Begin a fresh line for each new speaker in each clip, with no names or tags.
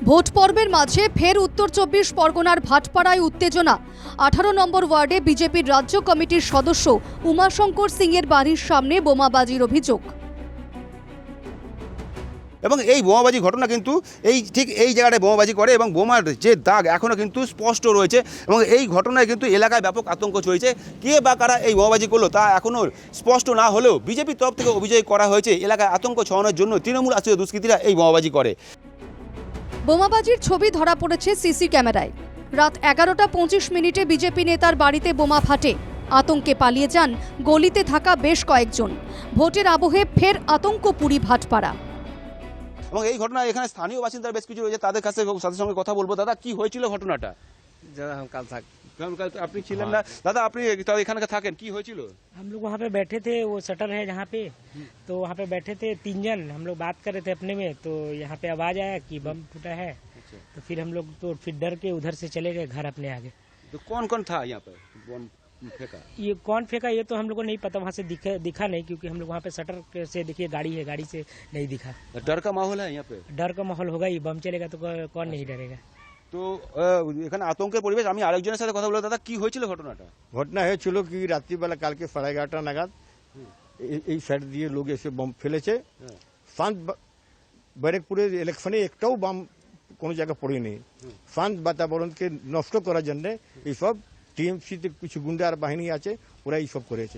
Vote পর্বের মাঝে ফের উত্তর ২৪ পরগনার ভাটপাড়ায় উত্তেজনা। ১৮ নম্বর ওয়ার্ডে বিজেপির রাজ্য কমিটির সদস্য উমাশঙ্কর সিং এর বাড়ির সামনে বোমাবাজির অভিযোগ।
এবং এই বোমাবাজি ঘটনা কিন্তু ঠিক এই জায়গাটায় বোমাবাজি করে এবং বোমার যে দাগ এখনও কিন্তু স্পষ্ট রয়েছে এবং এই ঘটনায় কিন্তু এলাকায় ব্যাপক আতঙ্ক চলছে। কে বা কারা এই বোমাবাজি করলো তা এখনও স্পষ্ট না হলেও বিজেপির তরফ থেকে অভিযোগ করা হয়েছে এলাকায় আতঙ্ক ছড়ানোর জন্য তৃণমূল আশ্রিত দুষ্কৃতীরা এই বোমাবাজি করে।
বোমাবাজির ছবি ধরা পড়েছে সিসি ক্যামেরায়। রাত ১১টা ২৫ বিজেপি নেতার বাড়িতে বোমা ফাটে। আতঙ্কে পালিয়ে যান গলিতে থাকা বেশ কয়েকজন। ভোটের আবহে ফের আতঙ্কপুরী ভাটপাড়া।
এবং এই ঘটনায় এখানে স্থানীয় বাসিন্দারা বেশ কিছু রয়েছে, তাদের কাছে তাদের সঙ্গে কথা বলবো। দাদা, কি হয়েছিল ঘটনাটা?
ज़्यादा हम कल तक
আপনি ছিলেন না দাদা, আপনি এখানে থাকেন, কি হয়েছিল?
हम लोग वहाँ पे बैठे थे, वो शटर है जहाँ पे, तो वहाँ पे बैठे थे 3 जन। हम लोग बात कर रहे थे अपने में, तो यहाँ पे आवाज आया कि बम फूटा है। तो फिर हम लोग तो फिर डर के उधर से चले गए घर अपने आगे।
तो कौन कौन था यहाँ पर बम फेंका?
ये कौन फेंका ये तो हम लोग को नहीं पता, वहाँ से दिखा नहीं, क्योंकि हम लोग वहाँ पे शटर से देखिए गाड़ी है, गाड़ी से नहीं दिखा।
डर का माहौल है यहाँ पे?
डर का माहौल होगा ही, बम चलेगा तो कौन नहीं डरेगा।
তো এখানে আতঙ্কের পরিবেশ। আমি আরেকজনের সাথে কথা বলবো। দাদা, কি হয়েছিল ঘটনাটা?
ঘটনা হয়েছিল কি রাত্রিবেলা কালকে 11:30 নাগাদ এই সাইড দিয়ে লোক এসে বম ফেলেছে। শান্ত ব্যারেকপুরের ইলেকশনে একটাও বম কোনো জায়গায় পড়েনি। শান্ত বাতাবরণকে নষ্ট করার জন্য এইসব টিএমসিতে কিছু গুন্ডার বাহিনী আছে, ওরা এইসব করেছে।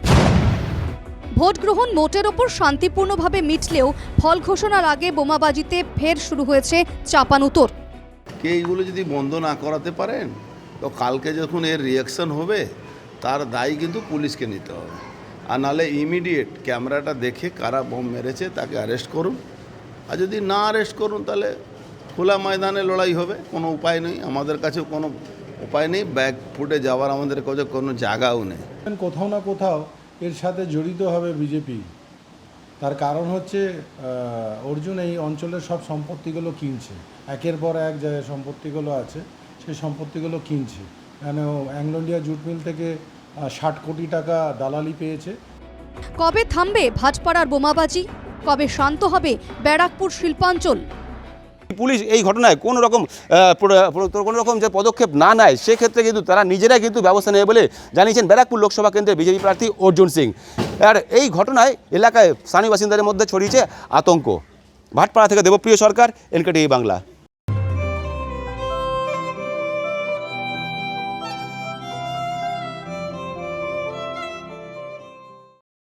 ভোট গ্রহণ মোটের ওপর শান্তিপূর্ণভাবে মিটলেও ফল ঘোষণার আগে বোমাবাজিতে ফের শুরু হয়েছে চাপানুতোর।
কে এইগুলো যদি বন্ধ না করাতে পারেন তো কালকে যখন এর রিয়াকশন হবে তার দায়ী কিন্তু পুলিশকে নিতে হবে। আর নাহলে ইমিডিয়েট ক্যামেরাটা দেখে কারা বোম মেরেছে তাকে অ্যারেস্ট করুন। আর যদি না অ্যারেস্ট করুন তাহলে খোলা ময়দানে লড়াই হবে। কোনো উপায় নেই, আমাদের কাছে কোনো উপায় নেই, ব্যাগ ফুটে যাওয়ার আমাদের কাছে কোনো জায়গাও নেই।
কোথাও না কোথাও এর সাথে জড়িত হবে বিজেপি। তার কারণ হচ্ছে অর্জুন এই অঞ্চলের সব সম্পত্তিগুলো কিনছে, একের পর এক জায়গায় সম্পত্তিগুলো আছে, সেই সম্পত্তিগুলো কিনছে। কেন অ্যাংলো ইন্ডিয়া জুট মিল থেকে 60 কোটি টাকা দালালি পেয়েছে।
কবে থামবে ভাটপাড়ার বোমাবাজি? কবে শান্ত হবে ব্যারাকপুর শিল্পাঞ্চল?
পুলিশ এই ঘটনায় কোনো রকম যে পদক্ষেপ না নেয় সেক্ষেত্রে কিন্তু তারা নিজেরাই কিন্তু ব্যবস্থা নেবে বলে জানিয়েছেন ব্যারাকপুর লোকসভা কেন্দ্রের বিজেপি প্রার্থী অর্জুন সিং। আর এই ঘটনায় এলাকায় স্থানীয় বাসিন্দাদের মধ্যে ছড়িয়েছে আতঙ্ক। ভাটপাড়া থেকে দেবপ্রিয় সরকার, এনকেটিভি বাংলা।